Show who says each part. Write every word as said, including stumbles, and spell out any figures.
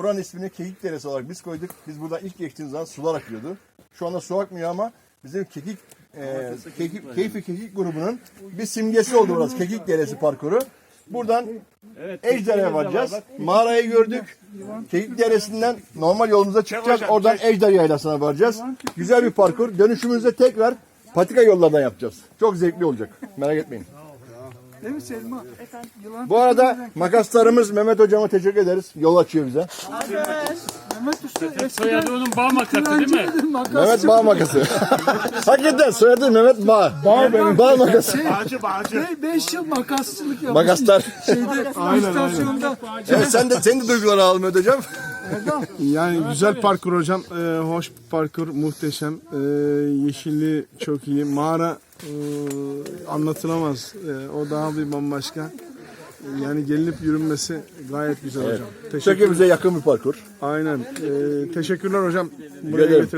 Speaker 1: buranın ismini Kekik Deresi olarak biz koyduk. Biz buradan ilk geçtiğimiz zaman sular akıyordu. Şu anda su akmıyor ama bizim Kekik e, Kekik, Keyfi Kekik grubunun bir simgesi oldu burası. Kekik Deresi parkuru. Buradan Ejder'e varacağız. Mağarayı gördük. Kekik Deresi'nden normal yolumuza çıkacağız. Oradan Ejder Yaylası'na varacağız. Güzel bir parkur. Dönüşümüzde tekrar patika yollardan yapacağız. Çok zevkli olacak. Merak etmeyin.
Speaker 2: Değil mi Selma? Yılan
Speaker 1: Bu arada makaslarımız Mehmet Hocam'a teşekkür ederiz. Yol açıyor bize.
Speaker 2: Mehmet Usta eskiden
Speaker 3: Soyadı onun bağ makası değil mi?
Speaker 2: yılancıydı, makas
Speaker 1: Mehmet Bağ makası. Hakikaten soyadı Mehmet Bağ. Bağ benim. Bağ makası.
Speaker 3: Bağcı bağcı.
Speaker 2: Be- Beş yıl makasçılık yapmış.
Speaker 1: Makaslar.
Speaker 2: Şeyde, istasyonda.
Speaker 1: Evet, sen de senin de duyguları alalım Mehmet Hocam.
Speaker 4: Yani güzel parkur hocam, ee, hoş parkur, muhteşem, ee, yeşilliği çok iyi, mağara ee, anlatılamaz, Ee, o daha bir bambaşka, yani gelinip yürünmesi gayet güzel hocam. Teşekkür,
Speaker 1: Çekimize yakın bir parkur.
Speaker 4: aynen, Ee, teşekkürler hocam.
Speaker 1: Rica ederim.
Speaker 4: Getir-